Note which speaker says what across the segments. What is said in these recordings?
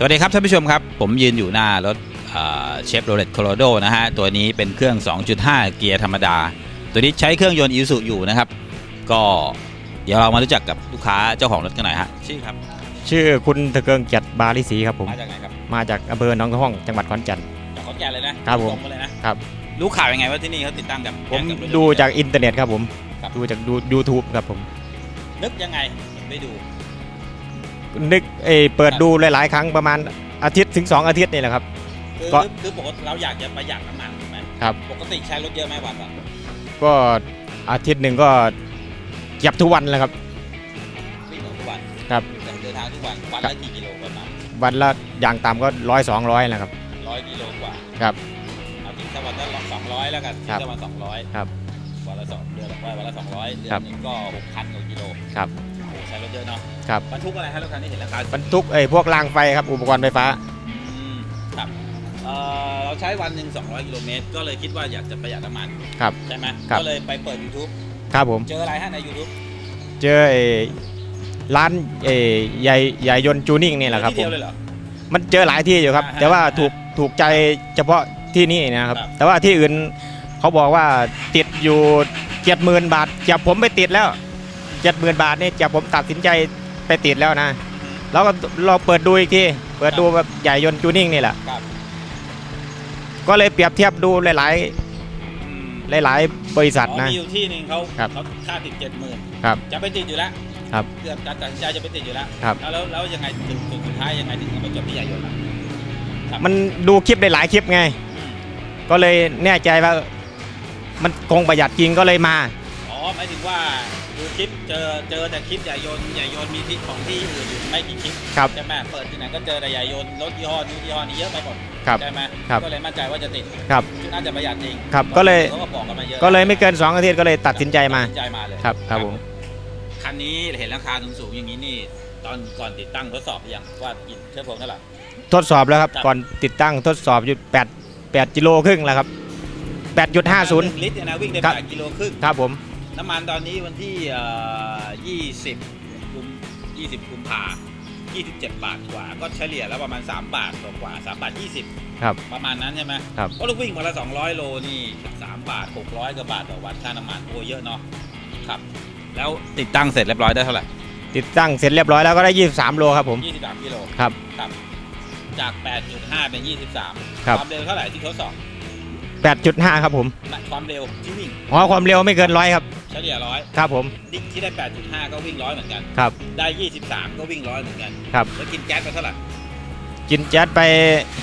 Speaker 1: สดีครับท่านผู้ชมครับผมยืนอยู่หน้ารถเชฟโรเลตโคโลราโดนะฮะตัวนี้เป็นเครื่อง 2.5 เกียร์ธรรมดาตัวนี้ใช้เครื่องยนต์อิซูอยู่นะครับก็เดี๋ยวเรามารู้จักกับลูกค้าเจ้าของรถกันหน่อยฮะชื่อครับ
Speaker 2: ชื่อคุณตะเกิงเกียรติบาลิศรีครับผม
Speaker 1: มาจากไหนครับ
Speaker 2: มาจากอำเภอหนองตะห้องจังหวัดขอนแก่น
Speaker 1: จากขอนแก่นเลยนะครับผมเลยนะครับรู้ข่าวยังไงว่าที่นี่เขาติดตั้งกับ
Speaker 2: ผมดูจากอินเทอร์เน็ตครับผมดูจากYouTube ครับผม
Speaker 1: นึกยังไงไปดู
Speaker 2: นึกเปิดดูหลายๆครั้งประมาณอาทิตย์ถึง2 อาทิตย์นี่แหละครับ
Speaker 1: คือปกติเราอยากจะประหยัดน้ำมันถูกไหม
Speaker 2: ครับ
Speaker 1: ปกติใช้รถเยอะไหมวันละ
Speaker 2: ก็อาทิตย์หนึ่งก็เก็บทุกวันเลยครับ
Speaker 1: วิ่งทุกวัน
Speaker 2: ครับ
Speaker 1: เดินทางทุกวันวันละกี่กิโลประมาณ
Speaker 2: วันละอย่างต่ำก็100-200นะครับ
Speaker 1: 100 กิโลกว่า
Speaker 2: ครับ
Speaker 1: เอาถึงแค่วันละ200แล้วกันถึงแค่วัน200
Speaker 2: ครับ
Speaker 1: วันละ2เดือนวันละ200เดือนนึงก็ 6,000 กว่ากิโล
Speaker 2: ครับ
Speaker 1: ใช้รถเยอะเนาะ
Speaker 2: ครับ
Speaker 1: บรรทุกอะไรฮะรถคันนี้เห็นราคา
Speaker 2: บรรทุกพวกรางไฟครับอุปกรณ์ไฟฟ้า
Speaker 1: ครับเราใช้วันหนึ่ง200 กิโลเมตรก็เลยคิดว่าอยากจะประหยัดน้ำมัน
Speaker 2: ครับ
Speaker 1: ใช่ไหมก็เลยไปเปิด YouTube
Speaker 2: ครับผม
Speaker 1: เจออะไรฮะใน YouTube
Speaker 2: เจอร้านใหญ่ยนต์จูนิ่งนี่แหละครับผมมันเจอหลายที่อยู่ครับแต่ว่าถูกใจเฉพาะที่นี่นะครับแต่ว่าที่อื่นเขาบอกว่าติดอยู่ 70,000 บาทจับผมไปติดแล้ว 70,000 บาทนี่จับผมตัดสินใจไปติดแล้วนะแล้วก็เราเปิดดูอีกทีเปิดดูแบบใหญ่ยนต์จูนิ่งนี่แหละก็เลยเปรียบเทียบดูหลายบริษัทนะ
Speaker 1: มีอยู่ที่นึงเขาค่าติด 70,000
Speaker 2: ครับ
Speaker 1: จะไปติดอยู่แล้ว
Speaker 2: ครับ
Speaker 1: เกือบตัดสินใจจะไปติดอยู่แล้ว
Speaker 2: ครับ
Speaker 1: แล้วยังไงสุดท้ายยังไงถึงมาจบที่ใหญ่ยนต์
Speaker 2: มันดูคลิปได้หลายคลิปไงก็เลยแน่ใจว่ามันคงประหยัดจริงก็เลยมา
Speaker 1: หมายถึงว่าดูคลิปเจอแต่คลิปใหญ่ยนต์มีที่ของที่อื่นอยู่ไม่กี่คลิปใช่ไหมเปิดที่ไหนก็เจอแต่ใหญ่ยนต์รถยี่ห้อนี้เยอะไปหมดใช่ไหมก็เลยมั่นใจว่าจะติดน่าจะประหยัดจริง
Speaker 2: ครับก็เลยไม่เกิน2 อาทิตย์ก็เลยตัดสินใจมา
Speaker 1: เลย
Speaker 2: ครับผม
Speaker 1: คันนี้เห็นราคาสูงอย่างนี้นี่ตอนก่อนติดตั้งทดสอบหรือยังว่ากินเชื้อเพลิงเท่าไหร่
Speaker 2: ทดสอบแล้วครับก่อนติดตั้งทดสอบอยู่8 กิโลครึ่งแล้วครับ 8.50
Speaker 1: ลิตรนะวิ่งได้8 กิโลครึ่ง
Speaker 2: ครับผม
Speaker 1: น้ำมันตอนนี้วันที่20 กุมภา27 บาทกว่าก็เฉลี่ยแล้วประมาณ3 บาทกว่า3 บาท 20
Speaker 2: ครับ
Speaker 1: ประมาณนั้นใช่ไหม
Speaker 2: ครับ
Speaker 1: ก็ลูกวิ่งวันละ200 โลนี่3 บาท 600 กว่าบาทต่อวันค่าน้ำมันโอ้เยอะเนาะครับแล้วติดตั้งเสร็จเรียบร้อยได้เท่าไหร่
Speaker 2: ติดตั้งเสร็จเรียบร้อยแล้วก็ได้23 โลครับผม
Speaker 1: 23 กิโล
Speaker 2: ครับ
Speaker 1: จาก 8.5 เป็น 23ความเร็วเท่าไหร่ที่ทดสอบ
Speaker 2: 8.5 ครับผม
Speaker 1: ความเร็วที่วิ่ง
Speaker 2: ความเร็วไม่เกิน100ครับ
Speaker 1: เฉลี่ย100
Speaker 2: ครับผม
Speaker 1: ที่ได้ 8.5 ก็วิ่ง100เหมือนกัน
Speaker 2: ครับ
Speaker 1: ได้23ก็วิ่ง100เหมือนกัน
Speaker 2: ครับ
Speaker 1: แล้วกินแก๊สไปเท่าไหร่
Speaker 2: กินแก๊สไป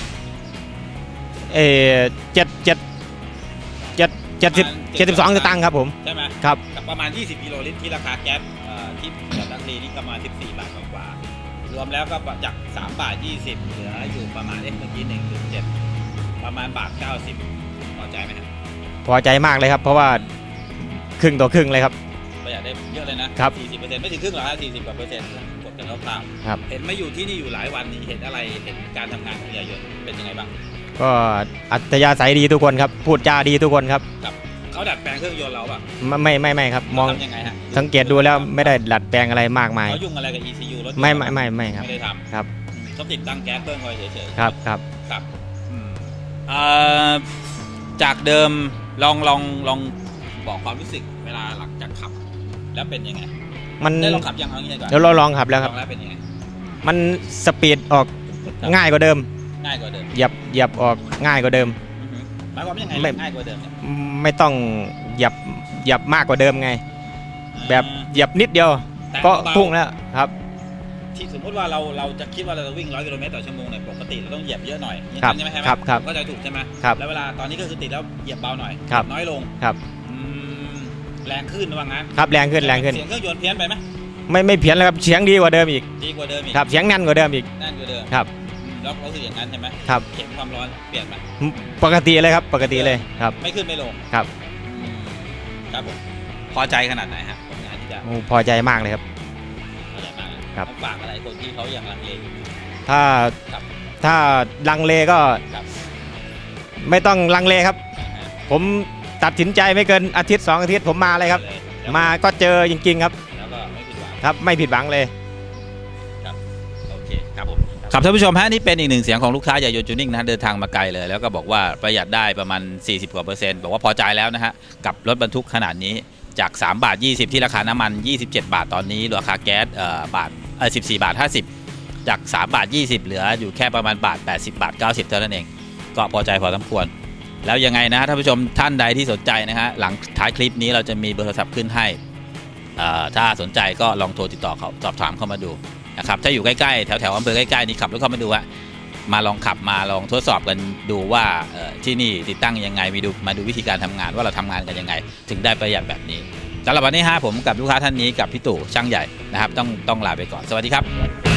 Speaker 2: 72 สตางค์ครับผม
Speaker 1: ใช่ไหม
Speaker 2: ครับ
Speaker 1: ประมาณ20 กิโลลิตรที่ราคาแก๊สที่ดังนี้นี่ประมาณ14 บาทกว่ารวมแล้วก็จาก3 บาท 20เหลืออยู่ประมาณเมื่อกี้ 1.7 ประมาณ1.90 บาทพอใจไหมครับ
Speaker 2: พอใจมากเลยครับเพราะว่าครึ่งต่อครึ่งเลยครับ
Speaker 1: ประหยัดได้เยอะเลยนะครับ 40% ไม่ถึงครึ่งหรอกฮะ40 กว่าเปอร์เซ็นต์กดกันคร่าวๆเห็นมาอยู่ที่นี่อยู่หลายวันนี่เห็นอะไรเห็นการทำงานของใหญ่ยนต์เป็นยังไงบ้าง
Speaker 2: ก็อัธยาศัยดีทุกคนครับพูดจาดีทุกคนครับ
Speaker 1: เขาดัดแปลงเครื่องยนต์เราป่ะ
Speaker 2: ไม่ครับมอง
Speaker 1: ยังไงฮะ
Speaker 2: สังเกตดูแล้วไม่ได้ดัดแปลงอะไรมากมาย
Speaker 1: เขายุ่งอะไรกับ ECU รถ
Speaker 2: ไม่ครับ
Speaker 1: ไม่ได้ทำ
Speaker 2: ครับ
Speaker 1: เขาติดตั้งแก๊สเพิ่มคอยเฉย
Speaker 2: ๆครับ
Speaker 1: จากเดิมลองบอกความรู้สึกเวลาหลังจากขับแล้วเป็นยังไง
Speaker 2: มัน
Speaker 1: ได้ลองขับยังเอางี้ดีกว่า
Speaker 2: แล้วเราลองขับแล้วครับ
Speaker 1: แล้วเป็นยังไง
Speaker 2: มันสปีดออกง่ายกว่าเดิมเหยียบออกง่ายกว่าเดิม
Speaker 1: หมายความว่ายังไงง่ายกว่าเดิม
Speaker 2: ไม่ต้องเหยียบมากกว่าเดิมไงแบบเหยียบนิดเดียวก็พุ่งแล้วครับ
Speaker 1: ที่สมมติว่าเราจะคิดว่าเราจะวิ่ง100 กิโลเมตรต่อชั่วโมงเนี่ยปกติเราต้องเหยียบเยอะหน่อยใช่ไหม
Speaker 2: ครับ
Speaker 1: ก็จะถูกใช่ไหมแล้วเวลาตอนนี้ก็คือติดแล้วเหยียบเบาหน่อยน้อยลง
Speaker 2: ครับ
Speaker 1: แรงขึ้นว่างั้น
Speaker 2: ครับแรงขึ้น
Speaker 1: เสียงเครื่องยนต์เพี้ยนไปไหม
Speaker 2: ไม่เพี้ยนแล้วครับเสียงดีกว่าเดิมอีกครับเสียงแน่นกว่าเดิมอีกครับ
Speaker 1: แล้วรู้สึกอย่างนั้นใช่ไหม
Speaker 2: ครับ
Speaker 1: เข็มความร้อนเปลี่ยนไหม
Speaker 2: ปกติเลยครับปกติเลยครับ
Speaker 1: ไม่ขึ้นไม่ลง
Speaker 2: ครับ
Speaker 1: ครับผมพอใจขนาดไหนฮะผลงานที่ได้
Speaker 2: พอใจมากเลยครับ
Speaker 1: พอใจมากครับฝากอะไรคนที่เขายังลังเล
Speaker 2: ถ้าลังเลก็ไม่ต้องลังเลครับผมตัดสินใจไม่เกินอาทิตย์2 อาทิตย์ผมมาเลยครับมาก็เจอจริงๆครับ
Speaker 1: แล้วก็ไม่ผิดหวัง
Speaker 2: ครับไม่ผิดหวังเลย
Speaker 1: ครับโอเคครับผมครับท่านผู้ชมฮะนี่เป็นอีกหนึ่งเสียงของลูกค้าใหญ่ยนต์จูนิ่งนะเดินทางมาไกลเลยแล้วก็บอกว่าประหยัดได้ประมาณ40 กว่า%บอกว่าพอใจแล้วนะฮะกับรถบรรทุกขนาดนี้จาก3 บาท 20ที่ราคาน้ำมัน27 บาทตอนนี้ราคาแก๊ส14 บาท 50จาก3 บาท 20เหลืออยู่แค่ประมาณบาท80 บาท 90เท่านั้นเองก็พอใจพอสมควรแล้วยังไงนะท่านผู้ชมท่านใดที่สนใจนะฮะหลังท้ายคลิปนี้เราจะมีเบอร์โทรศัพท์ขึ้นให้ถ้าสนใจก็ลองโทรติดต่อเขาสอบถามเข้ามาดูนะครับถ้าอยู่ใกล้ๆแถวอำเภอใกล้ๆนี่ขับรถเข้ามาดูมาลองขับมาลองทดสอบกันดูว่าที่นี่ติดตั้งยังไงมาดูวิธีการทำงานว่าเราทำงานกันยังไงถึงได้ประหยัดแบบนี้สำหรับวันนี้ผมกับลูกค้าท่านนี้กับพี่ตู่ช่างใหญ่นะครับต้องลาไปก่อนสวัสดีครับ